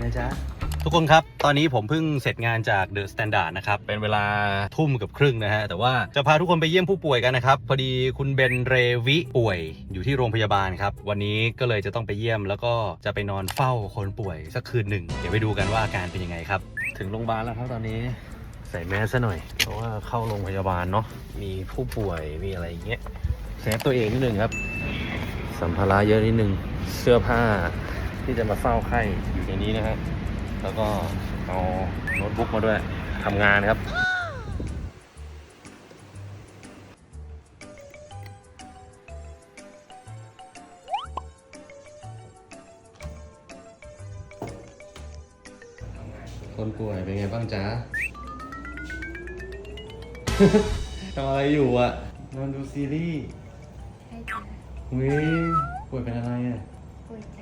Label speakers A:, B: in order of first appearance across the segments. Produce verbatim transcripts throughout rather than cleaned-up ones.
A: นะจ๊ะทุกคนครับตอนนี้ผมเพิ่งเสร็จงานจากเดอะสแตนดาร์ดนะครับเป็นเวลาทุ่มกับครึ่งนะฮะแต่ว่าจะพาทุกคนไปเยี่ยมผู้ป่วยกันนะครับพอดีคุณเบนเรวิป่วยอยู่ที่โรงพยาบาลครับวันนี้ก็เลยจะต้องไปเยี่ยมแล้วก็จะไปนอนเฝ้าคนป่วยสักคืนหนึ่งเดี๋ยวไปดูกันว่าอาการเป็นยังไงครับถึงโรงพยาบาลแล้วครับตอนนี้ใส่แมสซะหน่อยเพราะว่าเข้าโรงพยาบาลเนาะมีผู้ป่วยมีอะไรอย่างเงี้ยเซฟตัวเองนิดนึงครับสัมภาระเยอะนิดนึงเสื้อผ้าที่จะมาเฝ้าไข้อยู่ในนี้นะฮะแล้วก็เอาโน้ตบุ๊กมาด้วยทำงานครับคนป่วยเป็นไงบ้างจ๊ะ ทำอะไรอยู่อ่ะนอนดูซีรีส์ใช่จ้ะเว้ยป่วยเป็นอะไรอ่ะป่วยใจ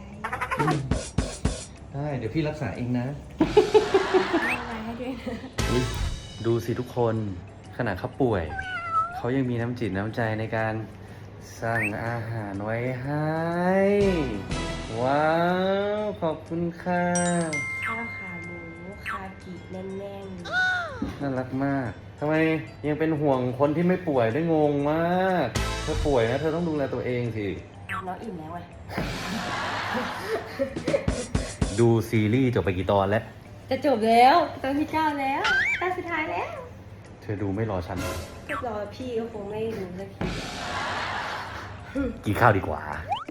A: ได้เดี๋ยวพี่รักษาเองนะไม่ไว้ให้ด้วยนะดูสิทุกคนขนาดเขาป่วยเขายังมีน้ำจิตน้ำใจในการสั่งอาหารไว้ให้ว้าวขอบคุณค่ะข้าวขาหมูคากิแน่นๆน่ารักมากทำไมยังเป็นห่วงคนที่ไม่ป่วยได้งงมากเธอป่วยนะเธอต้องดูแลตัวเองสิน้องอิ่มแล้วไง ดูซีรีส์จบไปกี่ตอนแล้ว
B: จะจบแล้วตอนที่เก้าแล้วตอนสุดท้ายแล้ว
A: เธอดูไม่รอฉัน
B: ก็รอพี่ก็คงไม่ดูสักที
A: กินข้าวดีกว่า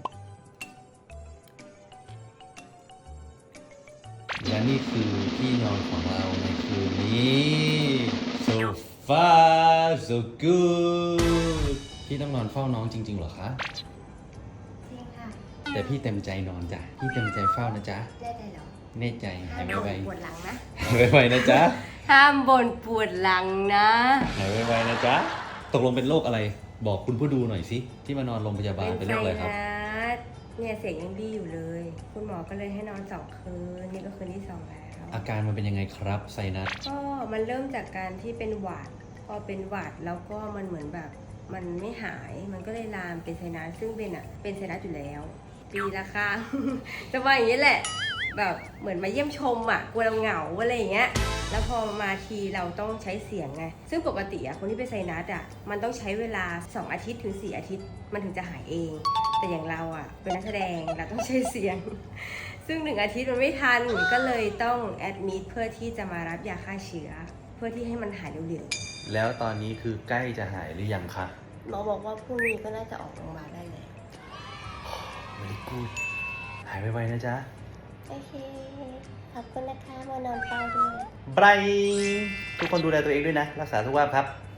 A: และนี่คือที่นอนของเราในคืนนี้ so far so good พี่ต้องนอนเฝ้าน้องจริงๆเหรอคะ
B: จริงค่ะ
A: แต่พี่เต็มใจนอนจ้ะพี่เต็มใจเฝ้านะจ๊ะ
B: แน่ใจเหรอ
A: แน่ใจหายไว
B: ๆปวดหลังนะ
A: หายไวๆนะจ๊ะ
B: ห้ามบ่นปวดหลังนะ
A: หายไวๆนะจ๊ะตกลงเป็นโรคอะไรบอกคุณผู้ดูหน่อยสิที่มานอนโรงพยาบาลเป็นโรคอะไรครับ
B: เนี่ยเสียงยังดีอยู่เลยคุณหมอก็เลยให้นอนสองคืนนี่ก็คืนที่สองแล้ว
A: อาการมันเป็นยังไงครับไซนัส
B: ก็มันเริ่มจากการที่เป็นหวัดพอเป็นหวัดแล้วก็มันเหมือนแบบมันไม่หายมันก็เลยลามเป็นไซนัสซึ่งเป็นอ่ะเป็นไซนัสอยู่แล้วปีละครั้งจะว่าอย่างนี้แหละแบบเหมือนมาเยี่ยมชมอ่ะกลัวเราเหงาอะไรอย่างเงี้ยแล้วพอมาทีเราต้องใช้เสียงไงซึ่งปกติอ่ะคนที่เป็นไซนัสอ่ะมันต้องใช้เวลาสองอาทิตย์ถึงสี่อาทิตย์มันถึงจะหายเองแต่อย่างเราอ่ะเป็นนักแสดงเราต้องใช้เสียงซึ่งหนึ่งอาทิตย์มันไม่ทันก็เลยต้องแอดมิดเพื่อที่จะมารับยาฆ่าเชื้อเพื่อที่ให้มันหายเร็ว
A: ๆแล้วตอนนี้คือใกล้จะหายหรือยังคะ
B: หมอบอกว่าพรุ่งนี้ก็น่าจะออกโรงพยาบาลได้เลย
A: วันนี้กูหายไวๆนะจ๊ะ
B: โอเคขอบคุณนะคะมานอนเฝ้าด้วย
A: บายทุกคนดูแลตัวเองด้วยนะรักษาสุขภาพครับ